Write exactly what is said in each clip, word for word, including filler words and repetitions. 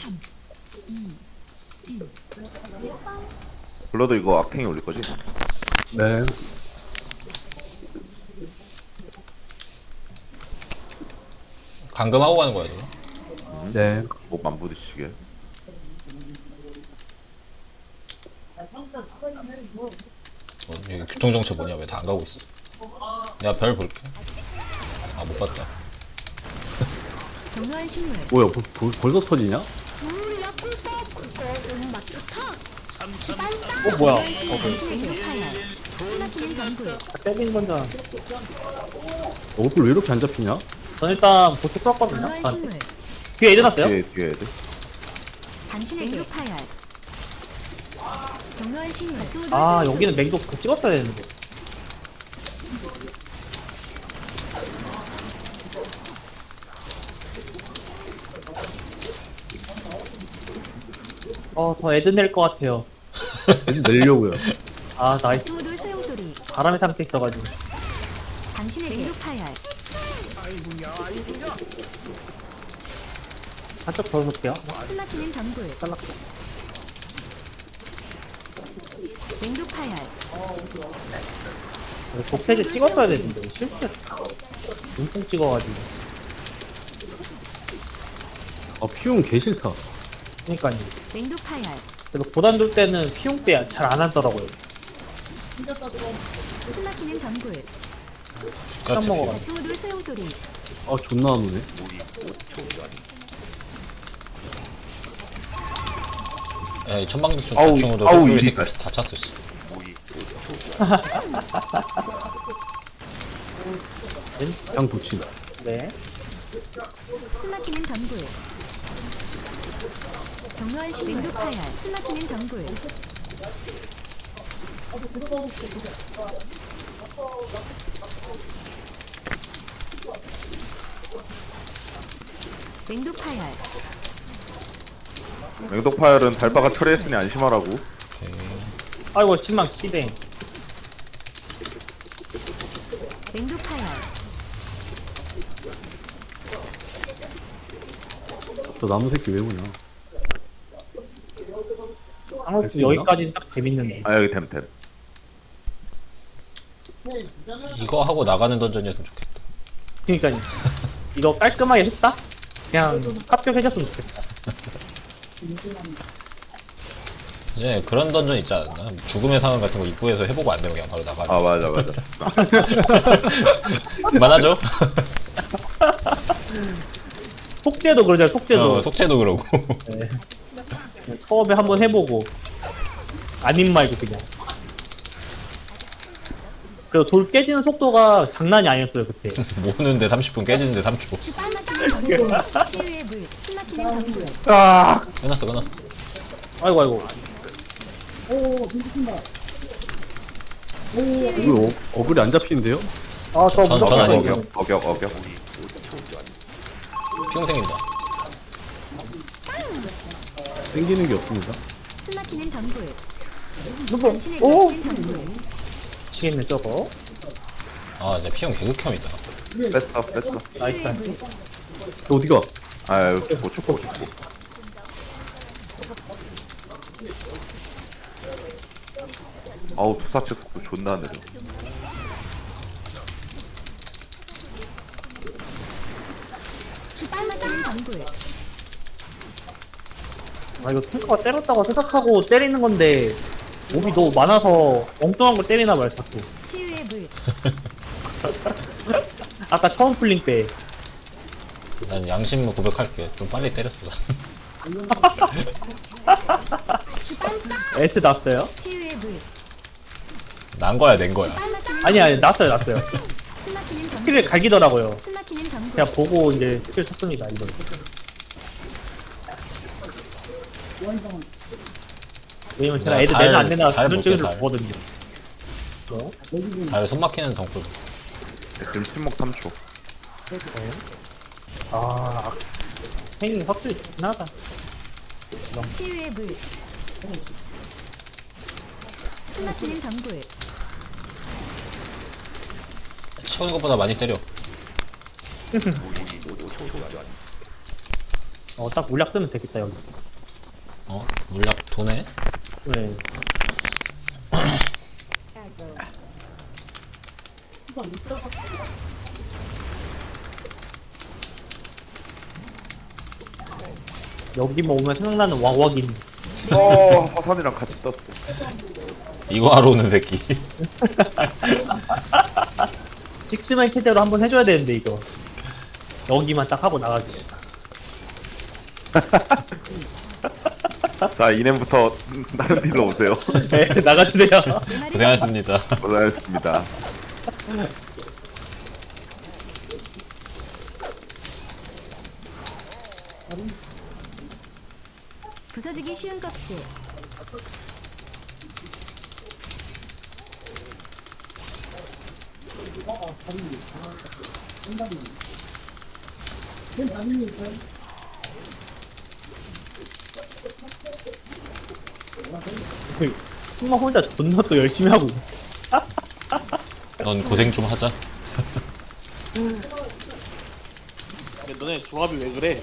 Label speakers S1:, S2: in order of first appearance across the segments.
S1: 블러드 이거 악탱이 올릴 거지?
S2: 네.
S3: 감금하고 가는 거야, 지금.
S2: 네.
S1: 목만 부딪히게.
S3: 어, 여기 교통정체 뭐냐? 왜 다 안 가고 있어? 내가 별 볼게. 아, 못 봤다.
S4: 경로한 식물.
S2: 뭐야, 벌, 벌, 벌써 터지냐?
S4: 물약 불법 그거 음맛 좋다.
S5: 어 뭐야? 어
S4: 당신의 교파열. 숨막히는 경굴.
S5: 때린 건자.
S2: 어플 왜 이렇게 안 잡히냐?
S5: 전 일단 보트 풀었거든요.
S4: 경로한
S5: 아,
S4: 식물.
S5: 뒤에 애들 났어요?
S1: 뒤에 뒤에 애들.
S4: 당신의 교파열. 경로한 식물. 자충우돌
S5: 아
S4: 소용돌이.
S5: 여기는 맹독 그 찍었어야 되는데. 어저 애들 낼 것 같아요.
S2: 애들 내려고요.
S5: 아 나이스.
S4: 자충우돌 소용돌이.
S5: 바람의 상태 있어가지고.
S4: 당신의 교파열.
S5: 살짝 더 놓을게요.
S4: 숨막히는 경굴. 맹독파열.
S5: 복세지 찍었어야 되는데 실패. 눈통 찍어가지고.
S2: 아, 피움 개 싫다.
S5: 그니까요.
S4: 맹독파열.
S5: 그래서 고단 돌 때는 피용 때 잘 안 하더라고요.
S4: 숨막히는 경굴.
S5: 시간 먹어가지고.
S4: 자충우돌 소용돌이.
S2: 아, 존나 안 오네.
S3: 에이, 천방지축
S1: 아우,
S3: 자충우도
S1: 아우,
S3: 이
S1: 이리
S3: 새끼
S1: 가.
S3: 다 찼어, 씨.
S2: 그냥 붙인다.
S5: 네.
S4: 숨막히는 경굴. 경로한 식물. 맹독파열. 숨막히는 경굴. 맹독파열.
S1: 맹독파열은 달바가 처리했으니 안심하라고.
S5: 아이고 신망 씨댕.
S4: 맹독파열.
S2: 저 나무 새끼 왜 오냐?
S5: 한국
S2: 수 있나?
S5: 여기까지는 딱 재밌는데.
S1: 아 여기 템템.
S3: 이거 하고 나가는 던전이었으면 좋겠다.
S5: 그니까요. 이거 깔끔하게 했다? 그냥 합격해줬으면 좋겠다.
S3: 이제 그런 던전 있지 않나? 죽음의 상황 같은 거 입구에서 해보고 안 되면 그냥 바로 나가.
S1: 아 맞아 맞아.
S3: 그만하죠?
S5: 속죄도 그러잖아요, 속죄도.
S3: 어, 속죄도 그러고.
S5: 네. 처음에 한번 해보고. 아님 말고 그냥. 그리고 돌 깨지는 속도가 장난이 아니었어요, 그때.
S3: 모으는데 삼십 분, 깨지는데 삼 초.
S4: 숨막히는 경굴. 치유의 물. 숨막히는 경굴.
S5: 아!
S3: 끝났어, 끝났어.
S5: 아이고, 아이고.
S4: 치유의
S2: 이거 어, 어글이 안 잡히는데요?
S5: 아, 저
S3: 전-
S5: 무조건
S3: 전 아니에요.
S5: 이거는.
S1: 어격 어격 어격.
S3: 피용 생긴다.
S2: 땡기는 게 없습니다.
S4: 숨막히는 경굴.
S5: 누구?
S4: 당신의
S5: 오!
S4: 숨막히는 경굴.
S5: 미치겠네, 저거.
S3: 아, 이제 피용 개극혐이다.
S1: 뺐어 뺐어.
S5: 나이스.
S4: 치유의 물.
S2: 너 어디가?
S1: 아 여기 죽고 죽고 죽고. 아우 투사체 속도 존나 느려.
S4: 숨막히는 경굴.
S5: 아, 이거 탱커가 때렸다고 생각하고 때리는 건데, 몸이 너무 많아서 엉뚱한 걸 때리나 봐요, 자꾸.
S4: 치유의 물.
S5: 아까 처음 풀링 때.
S3: 난 양심을 고백할게. 좀 빨리 때렸어.
S5: 에스 났어요?
S4: 치유의 물.
S3: 난 거야, 낸 거야.
S5: 아니, 아니, 났어요, 났어요.
S4: 숨막히는 경굴.
S5: 스킬을 갈기더라고요.
S4: 숨막히는 경굴.
S5: 그냥 보고 이제 스킬 쳤습니다, 이거. 왜냐면 제가
S3: 내가
S5: 애들
S3: 달-
S5: 내나 안 내나
S3: 달
S5: 그런 쪽으로
S3: 볼게, 달.
S5: 보거든요. 뭐?
S3: 다리 손 막히는 덩굴.
S1: 지금 침묵 삼 초.
S5: 아, 행위 확실히 좋긴 하다.
S4: 치유의 물. 숨막히는 경굴.
S3: 치우는 것보다 많이 때려.
S5: 어, 딱 물약 뜨면 되겠다, 여기.
S3: 어? 물약 도네?
S5: 네. 여기만 오면 생각나는 와와긴.
S1: 어 화산이랑 같이 떴어.
S3: 이거 하러 오는 새끼.
S5: 직스맨 체대로 한번 해줘야 되는데, 이거. 여기만 딱 하고 나가기.
S1: 자 이nem부터 다른 딜로 오세요.
S5: 네, 나가주세요.
S4: 내 말이
S3: 고생하셨습니다.
S1: 고생하셨습니다.
S4: 부서지기 쉬운 껍질.
S5: 정말 혼자 존나 또 열심히 하고.
S3: 넌 고생 좀 하자.
S6: 근데 너네 조합이 왜 그래?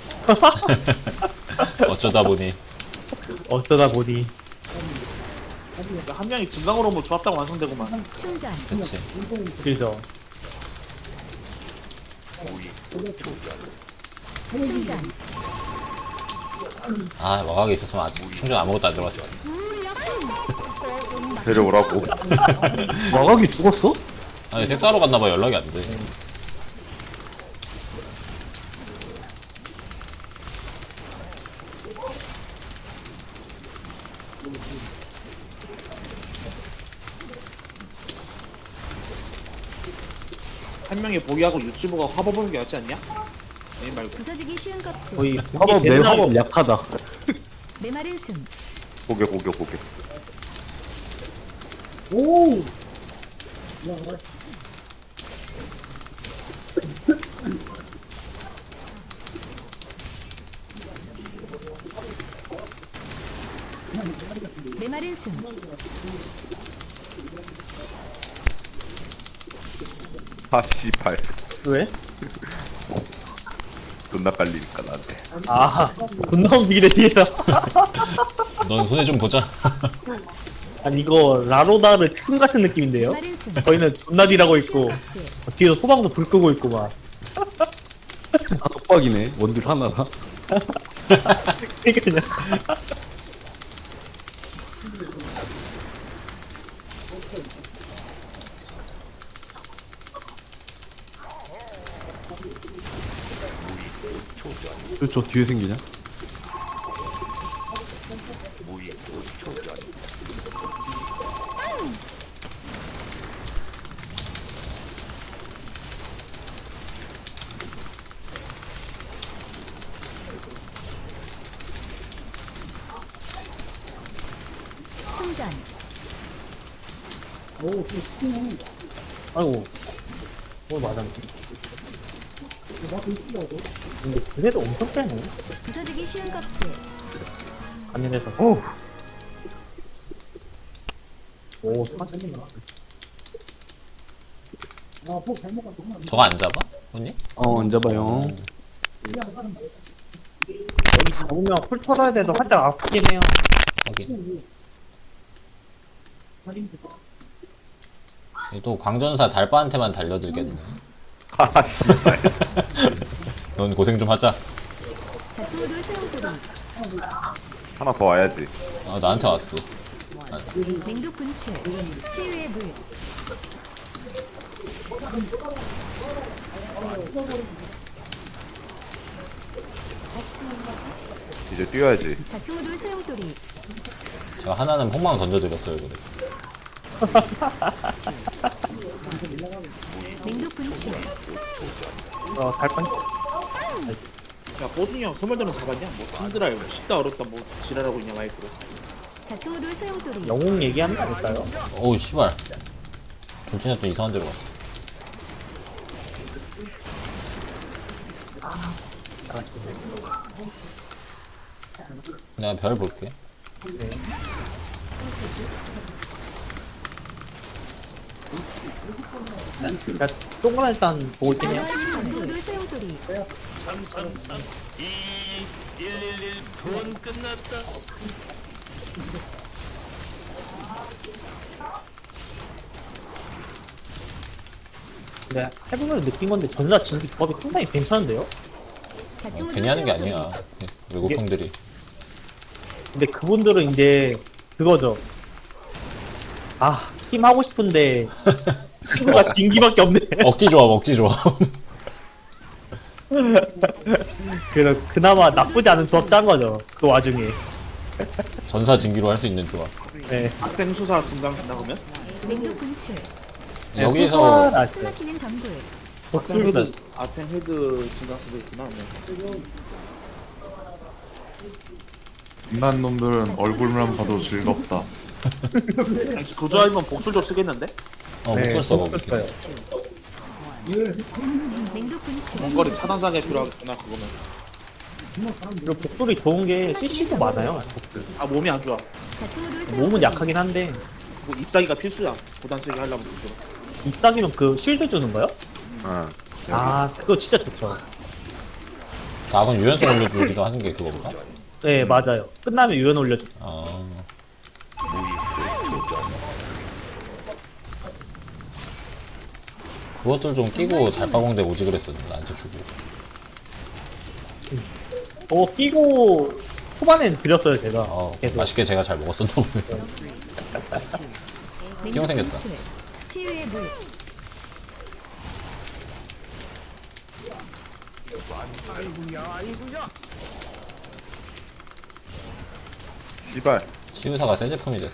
S3: 어쩌다 보니.
S5: 어쩌다 보니.
S6: 그러니까 한 명이 증강으로 뭐 조합당 완성되고만.
S4: 충전.
S3: 그치.
S5: 그죠.
S4: 충전.
S3: 아, 와각이 있었으면 아직 충전 아무것도 안 들어갔을 거야.
S1: 데려오라고.
S2: 마각이 죽었어?
S3: 아니, 섹스하러 갔나봐. 연락이 안 돼.
S6: 한 명이 보기하고 유튜브가 화보 보는 게 낫지 않냐? 아니 말고.
S4: 부서지기 쉬운 껍질.
S5: 거의
S2: 화법 내 화법 약하다.
S4: 메마른 숨.
S1: 고개 고개 고개.
S4: 메마른 숨.
S1: 아 씨발.
S5: 왜?
S1: 존나 깔리니까 나한테.
S5: 아, 존나 움직이네, 뒤에서.
S3: 넌 손에 좀 보자.
S5: 아니, 이거, 라로다르 큰 같은 느낌인데요?
S4: 메마른 숨.
S5: 저희는 존나 딜하고 있고,
S4: 쉬운 껍질.
S5: 뒤에서 소방도 불 끄고 있고, 막.
S2: 아 독박이네. 원딜 하나라.
S5: 그냥.
S2: 저, 저 뒤에 생기냐?
S4: 충전.
S5: 아이고. 뭘 맞았네. 근데 그래도 엄청 세네.
S4: 부서지기 쉬운 껍질.
S5: 안녕해서.
S1: 오.
S5: 오, 사진이
S3: 저거 안 잡아? 언니?
S2: 어 앉아봐요.
S5: 여기 잡으면 풀 털어야 돼서 살짝 아프긴 해요.
S3: 확인. 또 광전사 달바한테만 달려들겠네.
S1: 아 씨발.
S3: 넌 고생 좀 하자.
S4: 자충우돌 소용돌이.
S1: 하나 더 와야지.
S3: 아, 나한테 왔어.
S4: 맹독 분출. 치유의 물.
S1: 이제 뛰어야지.
S4: 자충우돌 소용돌이.
S3: 제가 하나는 폭망 던져드렸어요, 그래.
S4: 맹독 분출.
S5: 어, 달판.
S6: 야 보준이 형 소멸되는 잡았냐? 뭐 힘들어요. 쉽다 어렵다 뭐 지랄하고 있냐 마이크로.
S4: 자충우돌 소용돌이.
S5: 영웅 얘기하는 거 아닐까요?
S3: 어우, 씨발. 돌진했더니 이상한 데로 갔어. 내가 별 볼게.
S5: 자, 동그란 일단 보고 있긴 해요.
S4: 자충우돌 소용돌이.
S5: 근데 해보면서 느낀 건데 전사 진기 조합이 상당히 괜찮은데요?
S4: 자충우돌
S3: 괜히 하는 게
S4: 소용돌이.
S3: 아니야. 외국 형들이.
S5: 근데 그분들은 이제 그거죠. 아, 팀 하고 싶은데 친구가 진기밖에 없네.
S3: 억지 조합, 억지 조합.
S5: 그래, 그나마 나쁘지 않은 조합 짠 거죠. 그 와중에.
S3: 전사 진기로 할 수 있는 조합.
S5: 네.
S6: 악생 수사 증강 쓴다 그러면?
S4: 맹독 분출.
S3: 여기서
S5: 소소한 아시죠?
S4: 숨막히는 덤불.
S6: 악생
S5: 독불도
S6: 헤드 악생 헤드 증강 쓰고 있구나. 네.
S1: 인간 놈들은 얼굴만 봐도 즐겁다.
S6: 당시 그 조합이면 복술도 쓰겠는데?
S3: 어,
S5: 네,
S3: 목소리 써봐.
S5: 독불 써요.
S4: 맹독 분출.
S6: 원거리 차단사게 필요하겠구나 그거는.
S5: 그리고 복돌이 좋은 게 씨씨도 많아요. 복돌.
S6: 아 몸이 안 좋아.
S4: 자충우돌 소용돌이.
S5: 몸은 약하긴 한데
S6: 뭐 잎사기가 필수야. 고단 세게 하려면 복술.
S5: 잎사귀면 그 쉴드 주는 거요?
S1: 응.
S5: 아, 그거 진짜 좋죠.
S3: 낙은 유연성 올려주기도 하는 게 그거구나.
S5: 네, 맞아요. 끝나면 유연 올려줘.
S3: 아. 그것들 좀 끼고 달빠공대 오지 그랬었는데 나한테 주고.
S5: 어, 끼고 초반엔 드렸어요, 제가.
S3: 어,
S5: 계속.
S3: 맛있게 제가 잘 먹었었나 보네.
S4: 맹독
S3: 띠용 생겼다.
S4: 분출. 치유의 물.
S1: 씨발.
S3: 시우사가 새 제품이 됐어.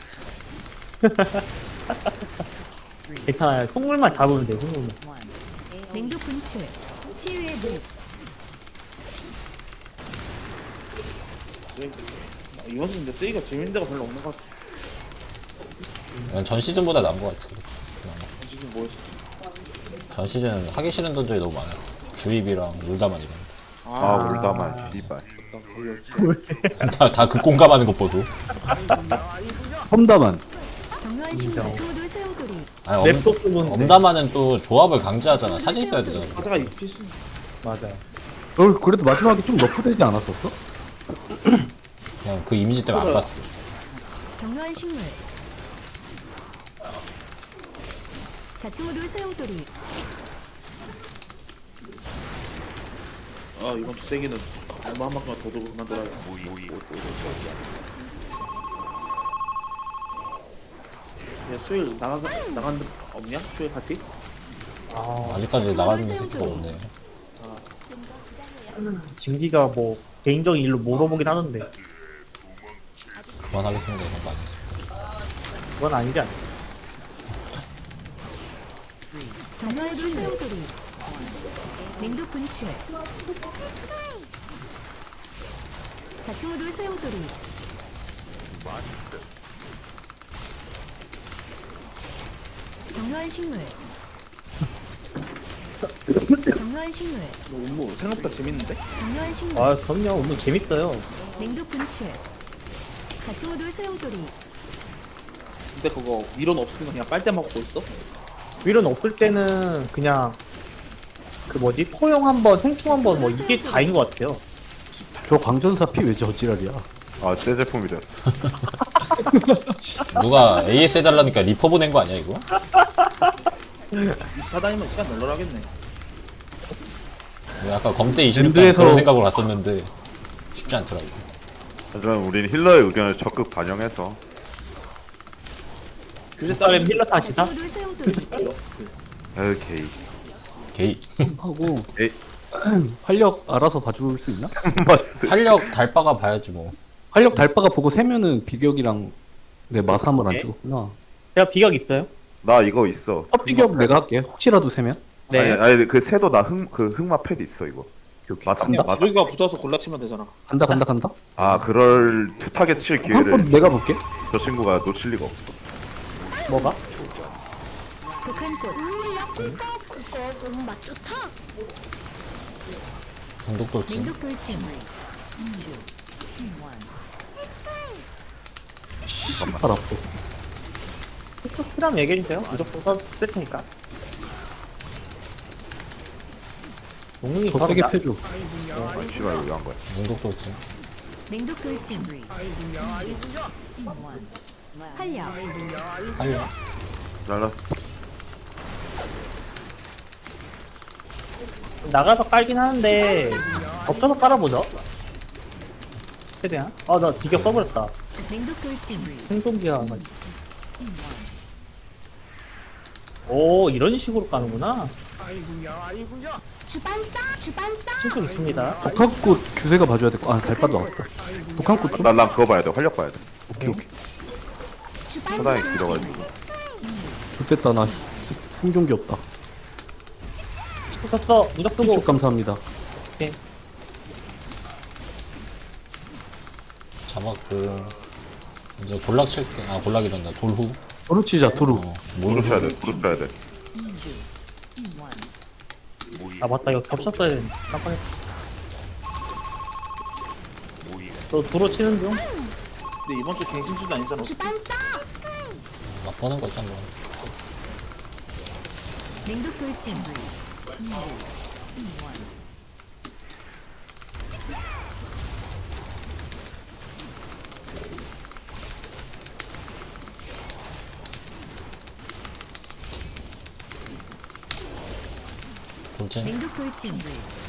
S5: 괜찮아요. 속물만 잡으면 돼요, 속물만.
S4: 맹독 분출. 치유의 물.
S6: 이번 시즌 근데 쓰기가 재밌는 데가 별로 없는 것 같아.
S3: 이건 전 시즌보다 나은 것 같아.
S6: 지금 뭐였어?
S3: 전 시즌은 하기 싫은 던전이 너무 많았어. 주입이랑 울다만 이런.
S1: 아, 울다만 씨발.
S3: 다, 다 극공감하는 것 보소.
S2: 험담한.
S4: 경로한 식물. 자충우돌 소용돌이.
S3: 아니, 엄,
S5: 랩도 쓰면 돼.
S3: 엄다마는 또 조합을 강제하잖아. 사진 써야 되잖아.
S6: 화자가 필수.
S5: 맞아요.
S2: 어, 그래도 마지막에 좀 너프되지 않았었어?
S3: 그냥 그 이미지 때문에 안 봤어.
S4: 경로한 식물. 자충우돌 소용돌이.
S6: 아 이번 주 세기는 얼마 한 만큼만 더 두고 그만둬라. 야 수요일 나간 사 나간 데 없냐? 수요일 파티?
S5: 아,
S3: 아직까지 나가는 새끼가 없네.
S5: 진기가 뭐, 개인적인 일로 물어보긴 하는데,
S3: 그만하겠습니다. 이런 거 아니겠습니까?
S5: 그건 아니지 않나.
S4: 경로한 소용돌이. 맹독 분출. 자충우돌 소용돌이. 경로한 식물. 경로한 식물.
S6: 너 업무 생각보다 재밌는데?
S4: 경로한 식물.
S5: 아, 그럼요. 오늘 재밌어요.
S4: 맹독 분출. 자충우돌 소용돌이.
S6: 근데 그거 미련 없으면 그냥 빨대 먹고 있어?
S5: 윌은 없을 때는 그냥, 그 뭐지? 포용 한 번, 생충 한 번, 뭐, 이게 다인 것 같아요.
S2: 저 광전사 피 왜 저지랄이야?
S1: 아, 새 제품이 됐어.
S3: 누가 에이에스 해달라니까 리퍼 보낸 거 아니야 이거?
S6: 이차 다니면 시간 널널하겠네.
S3: 뭐 아까 검대 이십육 강
S2: 밴드에서-
S3: 그런 생각으로 갔었는데 쉽지 않더라고.
S1: 하지만 우린 힐러의 의견을 적극 반영해서
S6: 교재
S5: 다음에
S6: 따면
S5: 밀러 타시다?
S4: 자충우돌 소용돌이.
S1: 오케이.
S3: 게이.
S2: 하고
S1: 에이.
S2: 활력 알아서 봐줄 수 있나?
S1: 마스.
S3: 활력 달빠가 봐야지 뭐.
S2: 활력 달바가 보고 세면은 비격이랑 내 마삼을 안
S5: 오케이.
S2: 찍었구나.
S5: 제가 비각 있어요?
S1: 나 이거 있어.
S2: 첫 비격 내가 할게. 혹시라도 세면.
S5: 네.
S1: 아니, 아니 그 새도 나 흑 그 흑마 패드 있어 이거.
S2: 오케이, 오케이.
S1: 맞아.
S2: 간다.
S1: 맞아.
S6: 여기가 붙어서 골라치면 되잖아.
S2: 간다 간다 간다.
S1: 아, 그럴 투 타겟 칠
S2: 한 번
S1: 기회를
S2: 내가 볼게.
S1: 저 친구가 놓칠 리가 없어.
S5: 뭐가?
S4: 독한꽃.
S3: 성독 돌진.
S4: 맹독 돌진.
S2: 팔 앞도.
S5: 필요하면 얘기해주세요. 무조건 써- 쓸 테니까. 용이
S2: 더
S5: 바로
S2: 세게
S5: 나-
S2: 패줘.
S1: 아 씨발 이거 왜한 거야?
S3: 능독 돌진.
S4: 맹독 돌진. 활력.
S3: 빨려.
S1: 잘랐어.
S5: 나가서 깔긴 하는데 겹쳐서 깔아보죠. 최대한. 아 나 비격 써버렸다.
S4: 맹독 돌진.
S5: 생존기가 안 맞지. 오 이런 식으로 까는구나.
S4: 주반사. 주반사.
S5: 충분 있습니다.
S2: 독한꽃 규세가 봐줘야 될 거. 아 달빠도 나왔다. 독한꽃 좀.
S1: 난, 난 그거 봐야 돼. 활력 봐야 돼.
S2: 오케이 오케이.
S1: 상당히 길어가지고.
S2: 좋겠다 나 생존기 없다.
S5: 쭉 썼어. 무적 쓰고.
S2: 쭉 감사합니다.
S3: 잡았고. 이제 볼락 칠게. 아, 볼락이란다. 돌후.
S2: 도루 치자 도루.
S3: 어,
S1: 무릎
S3: 뭘
S1: 쳐야 돼. 무릎 쳐야 돼.
S5: 아 맞다 이거 겹쳤어야 되는데. 깜빡했다. 너 도로 치는 중?
S6: 근데 이번 주 갱신주도 아니잖아.
S4: 주반사.
S3: 막 보는 거 있잖아.
S4: 맹독 돌진.
S3: 돌진.
S4: 맹독 돌진.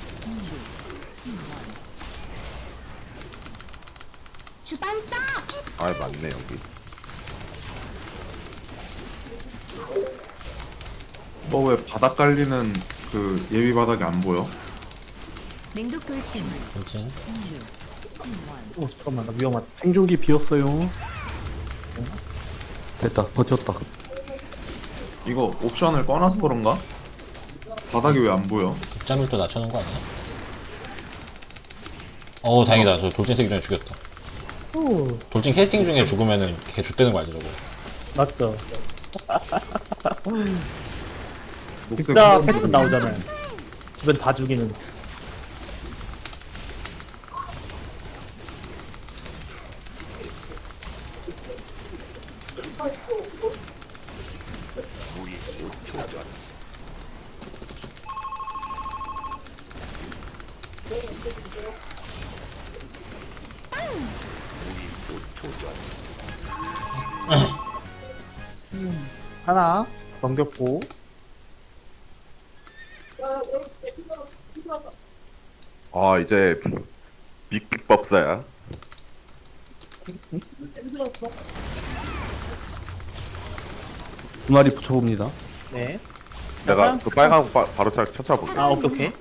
S4: 주반사.
S1: 아 맞네 여기.
S7: 너 왜 바닥 깔리는 그 예비 바닥이 안 보여?
S4: 맹독 돌진.
S3: 돌진.
S5: 오 잠깐만 나 위험하다.
S2: 생존기 비었어요. 됐다 버텼다.
S7: 이거 옵션을 꺼놔서 그런가? 바닥이 왜 안 보여?
S3: 급자밀도 낮춰놓은 거 아니야? 어우, 다행이다. 저 돌진 쓰기 전에 죽였다.
S5: 오
S3: 돌진 캐스팅 중에 죽으면은 걔 좆되는 거 알지, 저거?
S5: 맞죠.
S7: 녹색
S5: 빅사
S7: 한
S5: 패턴
S7: 번
S5: 나오잖아요. 주변 다 죽이는. 하나 넘겼고.
S1: 아 이제 빅법사야.
S2: 두 마리 붙여봅니다.
S5: 네.
S1: 내가
S5: 약간
S1: 그 빨간 거 바, 바로 차, 찾아볼게.
S5: 아 오케이 오케이.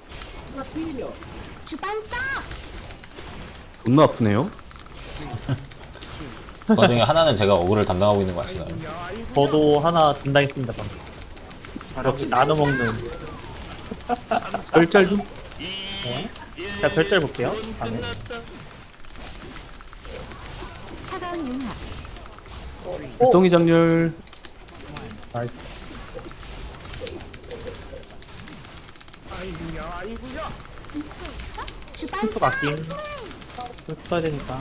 S4: 주반사.
S2: 존나 아프네요.
S3: 그 와중에 하나는 제가 어그를 담당하고 있는 거 아시나요?
S5: 저도 하나 담당했습니다 방금. 역시 나눠 먹는.
S2: 별짤 좀.
S5: 네. 자 별짤 볼게요. 다음에.
S4: 차가운 융합.
S2: 불덩이 장렬.
S5: 나이스.
S4: 주반사.
S5: 또 아낌. 또 써야 되니까.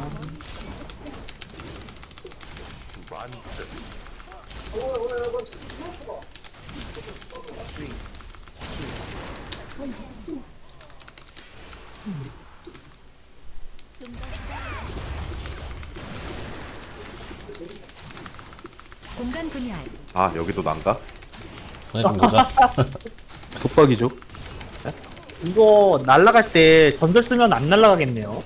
S4: 공간 분열.
S1: 아 여기도 난가?
S3: 전에 좀 보자.
S2: 독박이죠.
S5: 이거 날라갈 때 전설 쓰면 안 날라가겠네요.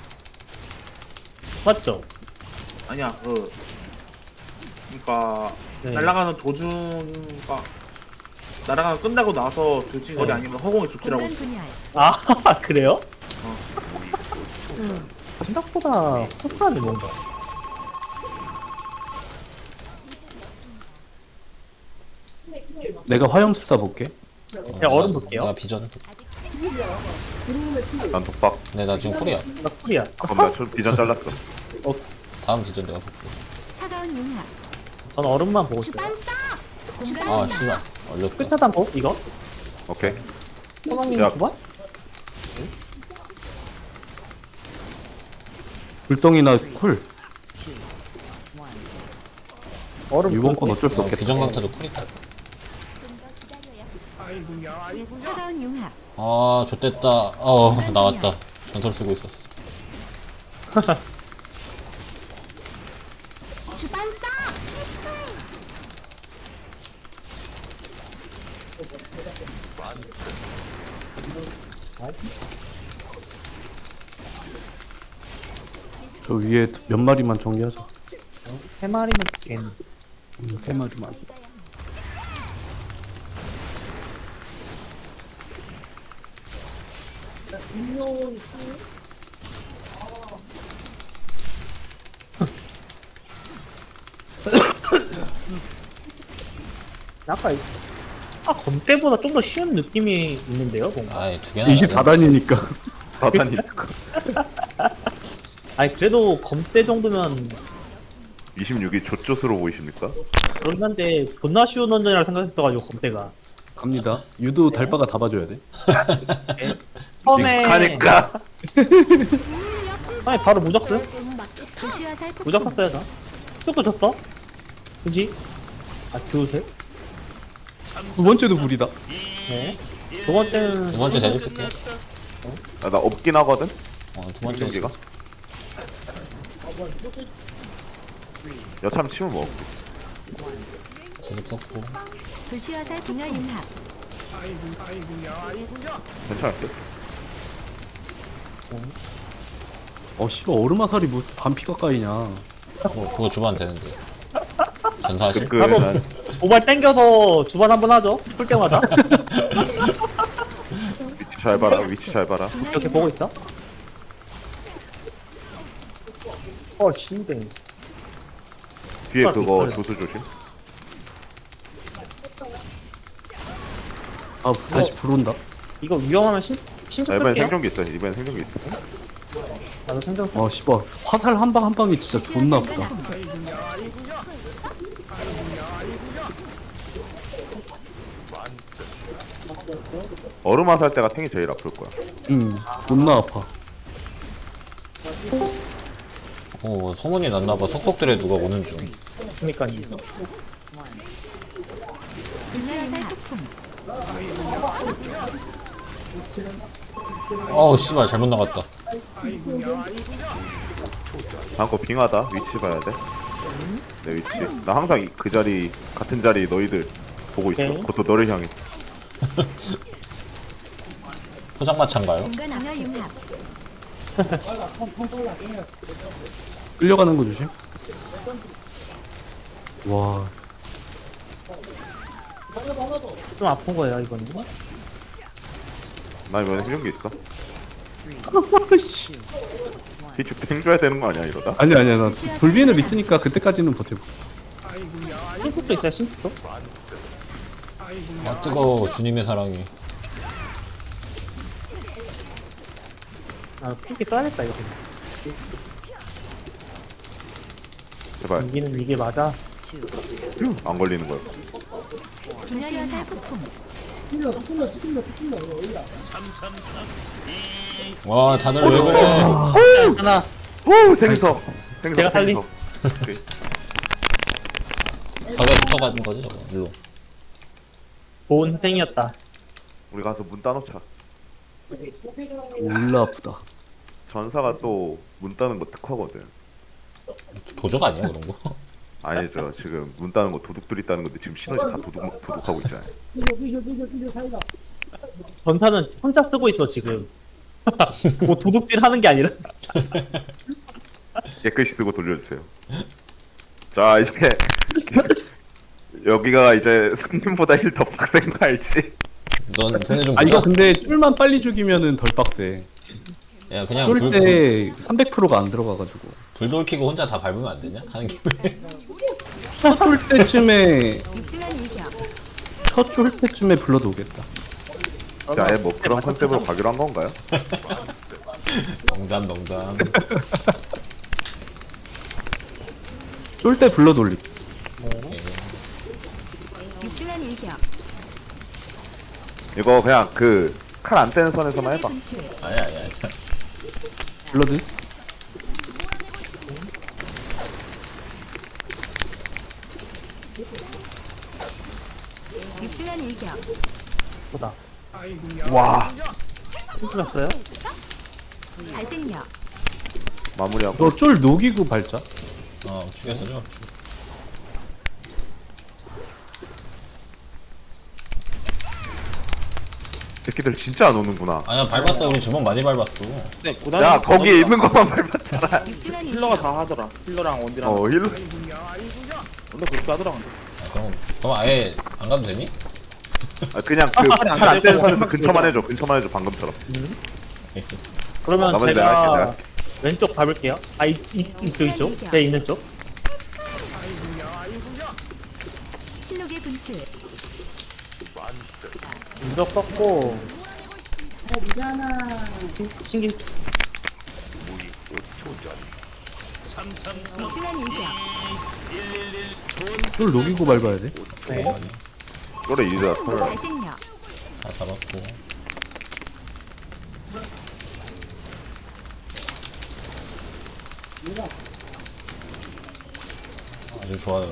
S5: 맞죠?
S6: 아니야 그 그러니까
S5: 네.
S6: 날아가는 도중가 날아가는 끝나고 나서 돌진 거리
S5: 네.
S6: 아니면 허공에 조치라고
S4: 공간
S6: 있어.
S4: 분열.
S5: 아 그래요? 생각보다 코스하네 뭔가.
S2: 내가 화염술사 볼게.
S3: 어,
S5: 그냥 얼음
S3: 내가-
S5: 볼게요.
S3: 내가 비전.
S1: 난 독박.
S3: 네, 나 지금 쿨이야.
S5: 나 쿨이야.
S1: 그럼 나 저- 비전 잘랐어.
S3: 다음 비전 내가 볼게.
S4: 차가운 융합.
S5: 전 얼음만 보고 있어요.
S4: 주반사. 공간
S3: 아,
S4: 분열.
S3: 씨발. 얼렸다.
S5: 끝차단 보 이거?
S1: 오케이.
S5: 소방님
S1: 야.
S5: 두 번?
S2: 불덩이나 쿨.
S5: 얼음
S2: 이번
S5: 쿨?
S2: 건 어쩔 수
S3: 어,
S2: 없겠다.
S3: 비전 강타도 쿨이다.
S4: 차가운 융합.
S3: 아 좋댔다. 어 나왔다. 전설 쓰고 있었어.
S4: 주반사.
S2: 저 위에 몇 마리만 정리하자.
S5: 세 마리면 되겠네.
S2: 음, 세 마리만.
S5: 아까 이- 아 검때보다 좀 더 쉬운 느낌이 있는데요, 뭔가.
S3: 아이 두 개나.
S2: 이십사 단이니까.
S1: 사단이니까.
S5: 아니 그래도 검때 정도면
S1: 이십육이 조조스러워 보이십니까?
S5: 그런 한데 존나 쉬운 원전이라 생각했어가지고 검때가.
S2: 갑니다. 유도 달바가 다 봐줘야 돼.
S5: 처음에
S1: 익숙하니까.
S5: 처음에 바로 무적스?
S4: 도시와 살폭풍.
S5: 무적 샀어야 다. 또 졌어? 그지? 아 교세?
S2: 두 번째도 불이다.
S5: 네. 두 번째는
S3: 두 번째 대접 쓸게.
S1: 아, 나 없긴 하거든.
S3: 어두 번째.
S1: 생존기가. 여참 치면 뭐
S3: 대접 썼고.
S4: 도시와 살풍의 융합.
S1: 괜찮을 듯.
S2: 어 씨발 얼음아살이 뭐 반피 가까이냐.
S3: 그거, 그거 주면 되는데. 전사하실?
S1: 끈끈한.
S5: 도발 땡겨서 주반 한번 하죠. 풀 때마다.
S1: 위치 잘 봐라. 위치 잘 봐라.
S5: 이렇게 보고 있어. 어 신뱅.
S1: 뒤에
S5: 아,
S1: 그거
S5: 그래.
S1: 조수 조심.
S2: 아 다시 불 온다.
S5: 이거 위험하면 신
S1: 자,
S5: 신청
S1: 이번엔
S5: 끌게요.
S1: 생존기 있어. 이번엔 생존기 있어.
S5: 나도 생존.
S2: 어 씨발 화살 한 방 한 방이 진짜
S4: 도시와
S2: 존나
S4: 살간
S2: 아프다.
S4: 압축.
S1: 얼음 화살 때가 탱이 제일 아플 거야.
S2: 응 존나 아파.
S3: 어 소문이 났나봐. 속속들에 누가 오는 중.
S5: 그러니까
S4: 도시와 살폭풍.
S3: 어우 씨발 잘못 나갔다.
S1: 다음 거 빙하다. 위치 봐야 돼. 내 위치. 나 항상 이- 그 자리 같은 자리 너희들 보고 있어.
S5: 오케이.
S1: 그것도 너를 향해.
S3: 포장마차인가요?
S4: 공간 압축. 융합.
S2: 끌려가는 거 조심. 와
S5: 좀 아픈 거예요 이거는.
S1: 나 이번에 생존기 있어. 뒤축 탱줘야 되는 거 아니야 이러다?
S2: 아니 아니야 나 불비엔을 있으니까 그때까지는 버텨.
S5: 신축도 있어요 신축도.
S3: 아 뜨거워 주님의 사랑이.
S5: 아 핑키 써야겠다 이거.
S1: 제발
S5: 이기는 이게 맞아.
S1: 안 걸리는 거야.
S4: 도시와 살폭풍.
S3: 와 다들 왜 그래?
S5: 하나.
S1: 오 생석. 생석.
S5: 제가 살림.
S1: 생석. 오케이.
S3: 벽에 붙어가는 거지 저거. 일로.
S5: 좋은 희생이었다.
S1: 우리 가서 문 따놓자.
S2: 졸라 아프다.
S1: 전사가 또 문 따는 거 특화거든.
S3: 도적 아니야 그런 거?
S1: 아니죠. 지금 문 따는 거 도둑들이 따는 건데 지금 시너지 다 도둑 도둑하고 있잖아요.
S5: 전사는 혼자 쓰고 있어 지금. 뭐 도둑질 하는 게 아니라.
S1: 깨끗이 쓰고 돌려주세요. 자 이제 여기가 이제 손님보다 힐 더 빡센 거 알지?
S3: 넌 손에 좀.
S2: 아 이거
S3: 보자.
S2: 근데 쫄만 빨리 죽이면은 덜 빡세.
S3: 야 그냥 불, 불,
S2: 쫄 때 삼백 퍼센트가 안 들어가가지고.
S3: 불 돌키고 혼자 다 밟으면 안 되냐? 하는 김에.
S2: 첫 쫄 때쯤에
S4: 육중한 일격.
S2: 첫 쫄 때쯤에 불러도 오겠다.
S1: 자, 아예 뭐 그런 컨셉으로 가기로 한 건가요?
S3: 농담 농담.
S2: 쫄 때 불러 돌리.
S3: 오케이.
S4: 육중한 일격.
S1: 이거 그냥 그 칼 안 떼는 선에서만
S4: 신호기
S1: 해봐.
S4: 분출.
S3: 아니야 아니야. 아니야.
S2: 블러드.
S4: 육중한 일격.
S5: 보다.
S1: 와
S5: 힘들었어요?
S4: 발생력.
S1: 마무리하고
S2: 너쫄 녹이고 발자.
S3: 어 죽였어죠.
S1: 새끼들 진짜 안 오는구나.
S3: 아니야 밟았어. 우리 저번 많이 밟았어.
S6: 네, 고단.
S1: 야 거기에 있는 것만 밟았잖아.
S4: 육중한
S6: 힐러가
S4: 일격.
S6: 다 하더라. 힐러랑 원딜랑.
S1: 어 힐러.
S6: 원래 그렇게 하더라. 근데.
S3: 아, 그럼 그럼 아예 안 가도 되니?
S1: 아, 그냥 그팔안 떼는 선에서 근처만 해줘. 근처만 해줘 방금처럼.
S5: 그러면
S1: 나머지 내가
S5: 제가
S1: 할게, 내가
S5: 왼쪽 밟을게요. 아, 이, 이, 이쪽, 이쪽. 제 있는 쪽.
S4: 실록의 분출.
S5: 무적 썼고. 신기.
S4: 육중한 일격.
S2: 쫄 녹이고 밟아야 돼.
S5: 네.
S1: 그래 이리다 털.
S4: 발생력.
S3: 다 잡았고. 아주 좋아요.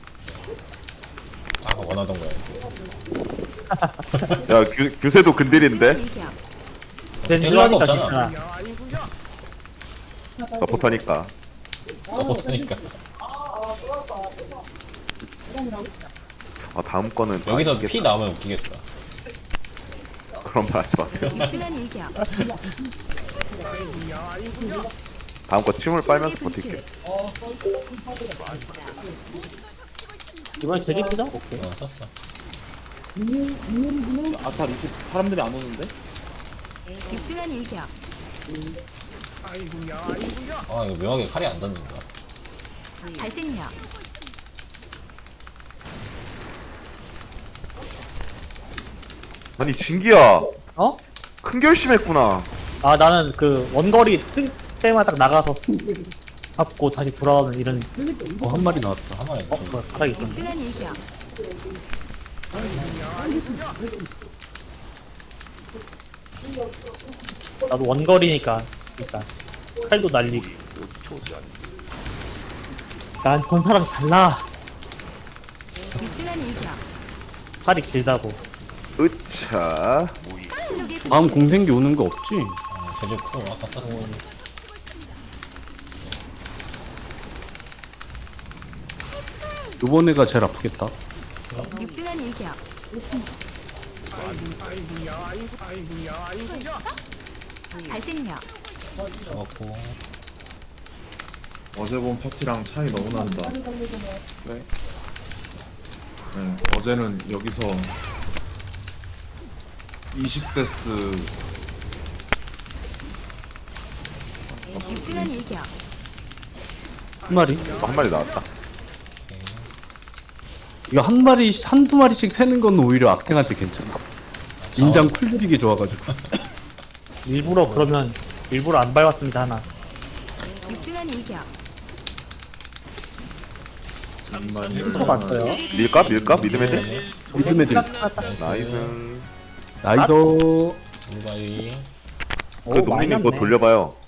S3: 딱 원하던 거야.
S1: 야 규, 규세도 근딜인데
S4: 육중한 일격.
S5: 젠지하니까
S3: 없잖아.
S5: 괜찮아.
S1: 서포터니까.
S3: 서포트니까.
S1: 아 다음 거는
S3: 여기서 피 나오면 웃기겠다.
S1: 그런 말 하지 마세요.
S4: 육중한 일격.
S1: 다음 거 침을 빨면서
S4: 실록의
S1: 버틸게.
S4: 분출.
S5: 이번에 제기 끄자? 오케이.
S3: 어 썼어.
S6: 아탈 이십 사람들이 안 오는데?
S4: 육중한 일격.
S3: 아 이거 묘하게 칼이 안 닿는다.
S4: 발생력.
S1: 아니 진기야
S5: 어?
S1: 큰 결심했구나.
S5: 아, 나는 그 원거리 뜰 때마다 딱 나가서 잡고 다시 돌아오는 이런,
S2: 어, 한 마리 나왔다.
S3: 한 마리
S5: 어,
S3: 좀-
S5: 그 바닥이 있던데.
S4: 육중한 일격.
S5: 나도 원거리니까, 일단. 칼도 날리고. 난 전사랑 달라.
S4: 육중한 일격.
S5: 팔이 길다고.
S1: 으차.
S4: 실록의
S2: 다음
S4: 분출.
S2: 공생기 오는 거 없지?
S3: 어, 제주 쿨 아까 썼어.
S2: 요번에가 제일 아프겠다.
S4: 육중한 일격. 발생력.
S3: 잡았고.
S7: 어제 본 파티랑 차이 너무 난다.
S6: 왜?
S7: 네, 어제는 여기서 이십 데스
S4: 육중한 일격.
S2: 한 마리?
S1: 한 마리 나왔다.
S2: 이거 한 마리, 한두 마리씩 세는 건 오히려 악탱한테 괜찮아. 인장 쿨 들이기 좋아가지고.
S5: 일부러 그러면, 일부러 안 밟았습니다, 하나.
S4: 육중한 일격.
S5: 들어갔어요.
S1: 밀까 밀까 미드 애들.
S2: 믿음 애들.
S1: 나이스.
S2: 나이스.
S3: 물바위.
S1: 그 농민님 거 돌려봐요.